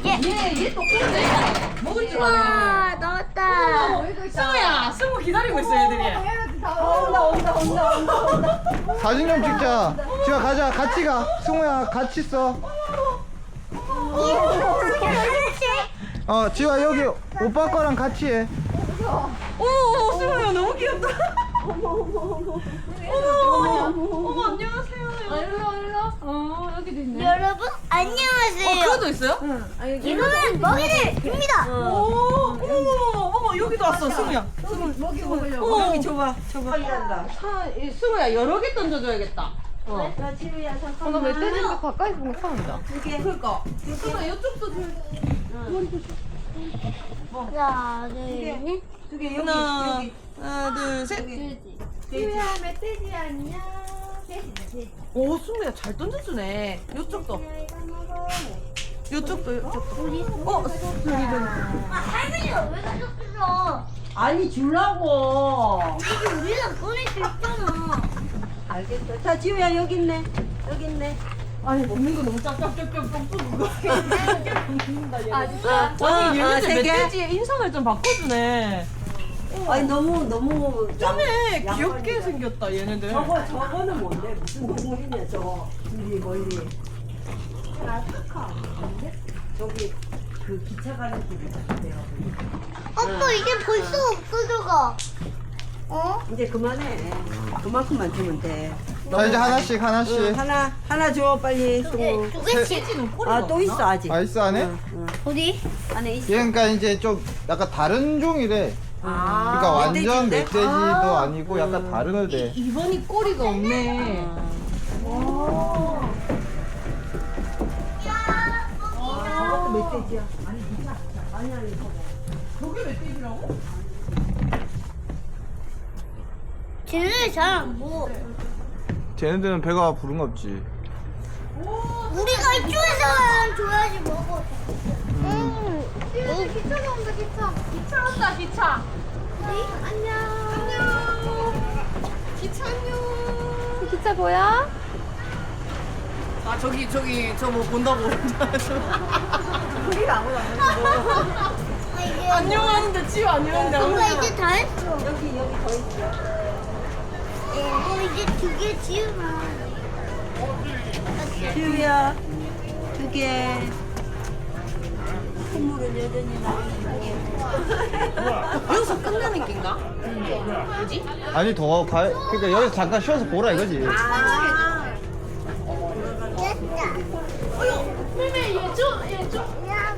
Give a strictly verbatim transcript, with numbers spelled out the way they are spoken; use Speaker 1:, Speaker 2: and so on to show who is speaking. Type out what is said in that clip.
Speaker 1: 얘얘 똑똑한데 먹을 줄 아네.
Speaker 2: 와 넣었다.
Speaker 1: 승우야, 승우 기다리고 있어 애들이.
Speaker 3: 온다 온다 온다 온다 온다.
Speaker 4: 사진 좀 찍자. 지아 가자. 같이 가. 승우야 같이 써. 어 지아 여기 오빠 거랑 같이 해.
Speaker 1: 오, 승우야 너무 귀엽다. 어머 어머 어머. 어머 어머 안녕하세요. 일로 일로. 어 여기도 있네.
Speaker 2: 여러분
Speaker 1: 어
Speaker 2: 안녕하세요.
Speaker 1: 그거도 있어요?
Speaker 2: 이거는 먹이를 줍니다.
Speaker 1: 오, 어머 어머 어머 여기도 왔어 승우야.
Speaker 3: 먹이 먹으려고.
Speaker 1: 어머 여기 줘봐 줘봐.
Speaker 3: 일한다.
Speaker 1: 사, 이, 승우야 여러 개 던져줘야겠다. 어.
Speaker 3: 나 지우야
Speaker 1: 어, 나
Speaker 3: 잠깐만.
Speaker 1: 멧돼지인데 가까이 보는 거 처음이다.
Speaker 3: 두 개.
Speaker 1: 그러니까. 승우야 이쪽도 줘.
Speaker 2: 하나 둘 셋.
Speaker 3: 두 개 여기
Speaker 1: 하나
Speaker 3: 여기.
Speaker 1: 하나 둘 셋.
Speaker 3: 지우야 멧돼지 안녕. 돼지네 돼지.
Speaker 1: 오 승우야 잘 던져주네. 이쪽도. 이쪽도 이쪽도. 어 저기 저기.
Speaker 2: 아 할머니가 왜 가져왔어?
Speaker 3: 아니 주려고.
Speaker 2: 이게 우리랑 꺼낼 수 있잖아.
Speaker 3: 알겠어. 자 지우야 여기 있네. 여기 있네.
Speaker 1: 아니 먹는 거 너무 짭짭짭짭 또 누가
Speaker 3: 아 진짜.
Speaker 1: 아니
Speaker 3: 아,
Speaker 1: 얘네들
Speaker 3: 세 개?
Speaker 1: 멧돼지의 인상을 좀 바꿔주네.
Speaker 3: 아니 너무 너무.
Speaker 1: 쩌네
Speaker 3: 양-
Speaker 1: 귀엽게
Speaker 3: 양반이다.
Speaker 1: 생겼다 얘네들.
Speaker 3: 저거 저거는 뭔데? 무슨 동물이냐 저거. 멀리 멀리. 알파카 아닌데? 저기 그 기차 가는 길이 같은데요.
Speaker 2: 아빠 이게 벌써 없어져가. 어?
Speaker 3: 이제 그만해. 그만큼만 주면 돼.
Speaker 4: 자 이제 하나씩 하나씩.
Speaker 3: 응, 하나 하나 줘 빨리. 승우.
Speaker 2: 두 개씩.
Speaker 1: 멧돼지는 꼬리가
Speaker 3: 아 또 있어
Speaker 1: 없나?
Speaker 3: 아직.
Speaker 4: 아 있어 안에?
Speaker 3: 응, 응.
Speaker 2: 어디?
Speaker 3: 안에 있어.
Speaker 4: 얘 그러니까 이제 좀 약간 다른 종이래.
Speaker 1: 아,
Speaker 4: 그러니까 완전
Speaker 3: 멧돼지인데?
Speaker 4: 멧돼지도
Speaker 1: 아.
Speaker 4: 아니고 약간 다른 애대.
Speaker 1: 이번이 꼬리가 없네.
Speaker 3: 저것도 멧돼지야. 아니 진짜. 아니 아니 저거.
Speaker 1: 저게 멧돼지라고?
Speaker 2: 쟤네 잘안 보여.
Speaker 4: 쟤네들은 배가 부른 거 없지.
Speaker 2: 우리가 이쪽에서 줘야지 먹어. 음. 여기 기차가 온다 기차.
Speaker 1: 기차 온다 기차.
Speaker 2: 네? 안녕.
Speaker 1: 안녕. 기차 안녕.
Speaker 2: 기차 보여?
Speaker 1: 아 저기 저기 저 뭐 본다고.
Speaker 3: 우리가 아무도 안
Speaker 2: 아, 이게
Speaker 1: 안녕하는데 지우 안녕하는데.
Speaker 2: 뭔가
Speaker 1: 아무도
Speaker 2: 이제 다 했어.
Speaker 3: 여기 여기 더 있어.
Speaker 2: 어 이제 두 개 지우면.
Speaker 3: 지우야 두 개. 선물은 여전히 나는
Speaker 1: 여기서 끝나는 낀가? 뭐지?
Speaker 4: 아니 더 가. 그러니까 여기서 잠깐 쉬어서 보라 이거지.
Speaker 2: 됐다.
Speaker 1: 어여,妹妹也就也就。
Speaker 2: 야,